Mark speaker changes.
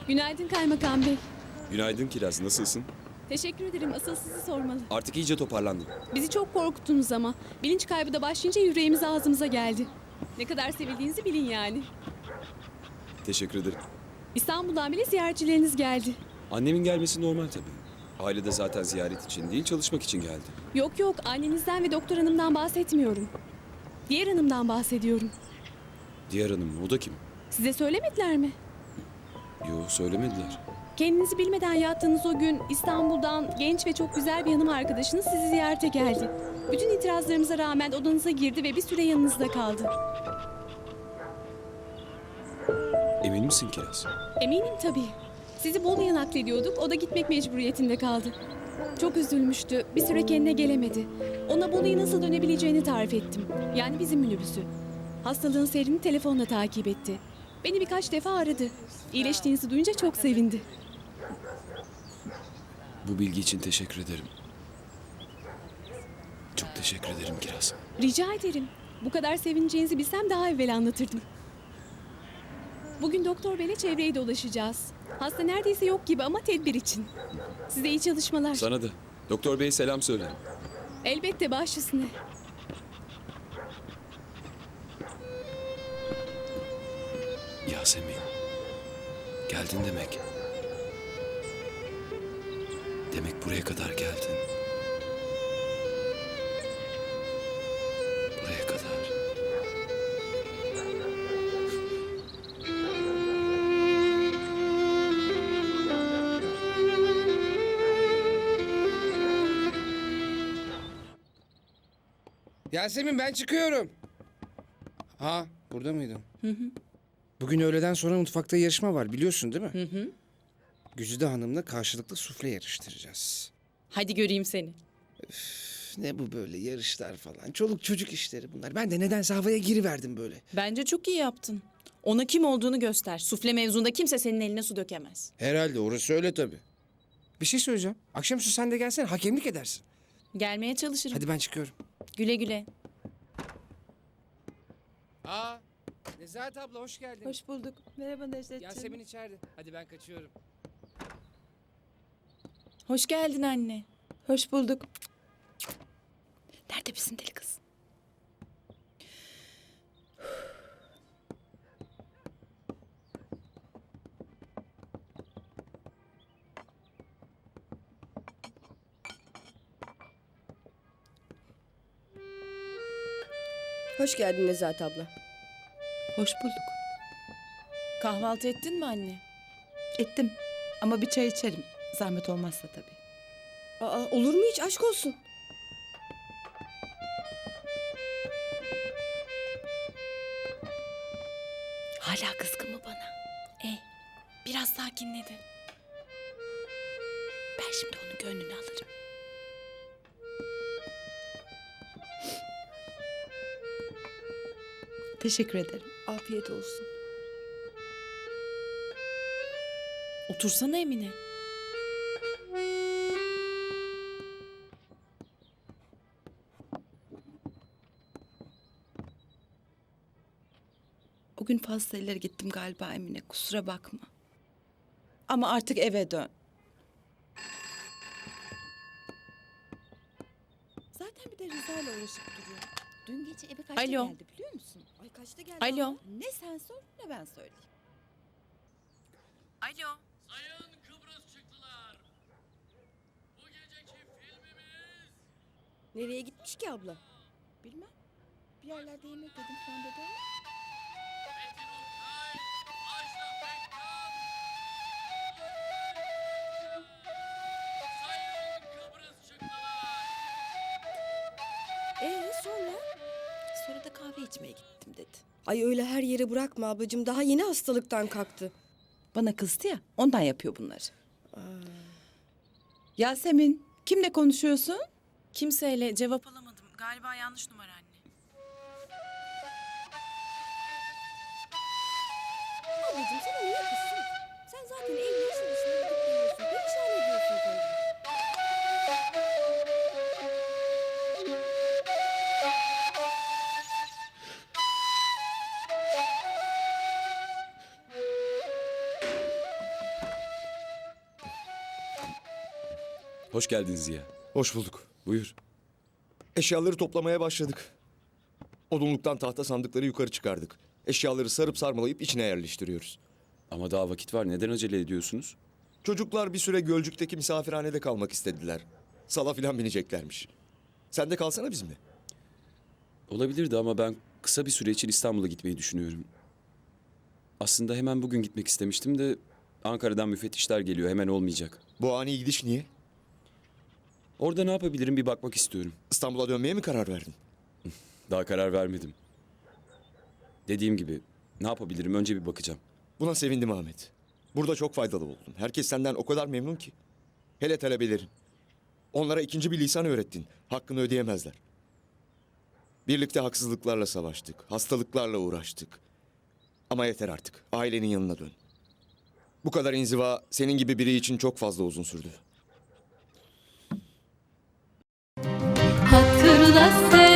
Speaker 1: Günaydın Kaymakam Bey.
Speaker 2: Günaydın Kiraz, nasılsın?
Speaker 1: Teşekkür ederim. Asıl sizi sormalı.
Speaker 2: Artık iyice toparlandım.
Speaker 1: Bizi çok korkuttunuz ama. Bilinç kaybı da başlayınca yüreğimiz ağzımıza geldi. Ne kadar sevildiğinizi bilin yani.
Speaker 2: Teşekkür ederim.
Speaker 1: İstanbul'dan bile ziyaretçileriniz geldi.
Speaker 2: Annemin gelmesi normal tabii. Aile de zaten ziyaret için değil, çalışmak için geldi.
Speaker 1: Yok yok, annenizden ve doktor hanımdan bahsetmiyorum. Diğer hanımdan bahsediyorum.
Speaker 2: Diğer hanım mı? O da kim?
Speaker 1: Size söylemediler mi?
Speaker 2: Yo, söylemediler.
Speaker 1: Kendinizi bilmeden yattığınız o gün İstanbul'dan genç ve çok güzel bir hanım arkadaşınız sizi ziyarete geldi. Bütün itirazlarımıza rağmen odanıza girdi ve bir süre yanınızda kaldı.
Speaker 2: Emin misin Kiraz?
Speaker 1: Eminim tabii. Sizi Bolu'ya naklediyorduk, o da gitmek mecburiyetinde kaldı. Çok üzülmüştü, bir süre kendine gelemedi. Ona Bolu'ya nasıl dönebileceğini tarif ettim. Yani bizim minibüsü. Hastalığın seyrini telefonla takip etti. Beni birkaç defa aradı. İyileştiğinizi duyunca çok sevindi.
Speaker 2: Bu bilgi için teşekkür ederim. Çok teşekkür ederim Kiraz.
Speaker 1: Rica ederim. Bu kadar sevineceğinizi bilsem daha evvel anlatırdım. Bugün doktor beyle çevreyi dolaşacağız. Hasta neredeyse yok gibi ama tedbir için. Size iyi çalışmalar.
Speaker 2: Sana da. Doktor Bey selam söyle.
Speaker 1: Elbette baş üstüne.
Speaker 2: Yasemin. Geldin demek. Demek buraya kadar geldin. Buraya kadar.
Speaker 3: Yasemin ben çıkıyorum. Ha burada mıydın? Bugün öğleden sonra mutfakta yarışma var biliyorsun değil mi? Güzide Hanım'la karşılıklı sufle yarıştıracağız.
Speaker 4: Hadi göreyim seni.
Speaker 3: Ne bu böyle yarışlar falan. Çoluk çocuk işleri bunlar. Ben de nedense havaya giriverdim böyle.
Speaker 4: Bence çok iyi yaptın. Ona kim olduğunu göster. Sufle mevzunda kimse senin eline su dökemez.
Speaker 3: Herhalde orası öyle tabii. Bir şey söyleyeceğim. Akşamüstü sen de gelsen hakemlik edersin.
Speaker 4: Gelmeye çalışırım.
Speaker 3: Hadi ben çıkıyorum.
Speaker 4: Güle güle.
Speaker 3: Aa, Nezahat abla hoş geldin.
Speaker 5: Hoş bulduk. Merhaba Necdetciğim.
Speaker 3: Yasemin içeride. Hadi ben kaçıyorum.
Speaker 4: Hoş geldin anne.
Speaker 5: Hoş bulduk.
Speaker 4: Nerede bizim deli kız?
Speaker 6: Hoş geldin Nezahat abla.
Speaker 5: Hoş bulduk.
Speaker 4: Kahvaltı ettin mi anne?
Speaker 5: Ettim. Ama bir çay içerim. Zahmet olmazsa tabii.
Speaker 6: Aa, olur mu hiç? Aşk olsun.
Speaker 4: Hala kızgın mı bana? Biraz sakinledi. Ben şimdi onun gönlünü alırım.
Speaker 5: Teşekkür ederim.
Speaker 6: Afiyet olsun.
Speaker 4: Otursana Emine.
Speaker 5: O gün fazla ileri gittim galiba Emine. Kusura bakma. Ama artık eve dön. Zaten bir de Rıza'yla uğraşıp duruyor. Dün gece eve kaçta
Speaker 4: Alo.
Speaker 5: geldi biliyor musun? Ay kaçta geldi?
Speaker 4: Alo.
Speaker 5: ama? Ne sen sor ne ben söyleyeyim.
Speaker 4: Alo.
Speaker 7: Sayın Kıbrıs çıktılar. Bu geceki filmimiz...
Speaker 6: Nereye gitmiş ki abla?
Speaker 5: Bilmem. Bir yerlerde yemek yedim falan dedi ama.
Speaker 7: Metin Oktay, Ajda Pekkan. Sayın Kıbrıs çıktılar.
Speaker 6: Sonra?
Speaker 5: Sonra da kahve içmeye gittim dedi.
Speaker 6: Ay öyle her yere bırakma ablacığım. Daha yeni hastalıktan kalktı.
Speaker 5: Bana kızdı ya ondan yapıyor bunları. Yasemin kimle konuşuyorsun?
Speaker 4: Kimseyle cevap alamadım. Galiba yanlış numara anne.
Speaker 6: Ablacığım sana niye kızsın? Sen zaten 50 yaşın dışında gidip geliyorsun. Perişan ediyorsun kendini.
Speaker 2: Hoş geldin Ziya.
Speaker 8: Hoş bulduk.
Speaker 2: Buyur.
Speaker 8: Eşyaları toplamaya başladık. Odunluktan tahta sandıkları yukarı çıkardık. Eşyaları sarıp sarmalayıp içine yerleştiriyoruz.
Speaker 2: Ama daha vakit var. Neden acele ediyorsunuz?
Speaker 8: Çocuklar bir süre Gölcük'teki misafirhanede kalmak istediler. Sala filan bineceklermiş. Sen de kalsana bizimle.
Speaker 2: Olabilirdi ama ben kısa bir süre için İstanbul'a gitmeyi düşünüyorum. Aslında hemen bugün gitmek istemiştim de Ankara'dan müfettişler geliyor. Hemen olmayacak.
Speaker 8: Bu ani gidiş niye?
Speaker 2: Orada ne yapabilirim bir bakmak istiyorum.
Speaker 8: İstanbul'a dönmeye mi karar verdin?
Speaker 2: Daha karar vermedim. Dediğim gibi ne yapabilirim önce bir bakacağım.
Speaker 8: Buna sevindim Ahmet. Burada çok faydalı oldun. Herkes senden o kadar memnun ki. Hele talebelerin. Onlara ikinci bir lisan öğrettin. Hakkını ödeyemezler. Birlikte haksızlıklarla savaştık. Hastalıklarla uğraştık. Ama yeter artık. Ailenin yanına dön. Bu kadar inziva senin gibi biri için çok fazla uzun sürdü.
Speaker 9: Hatırla sen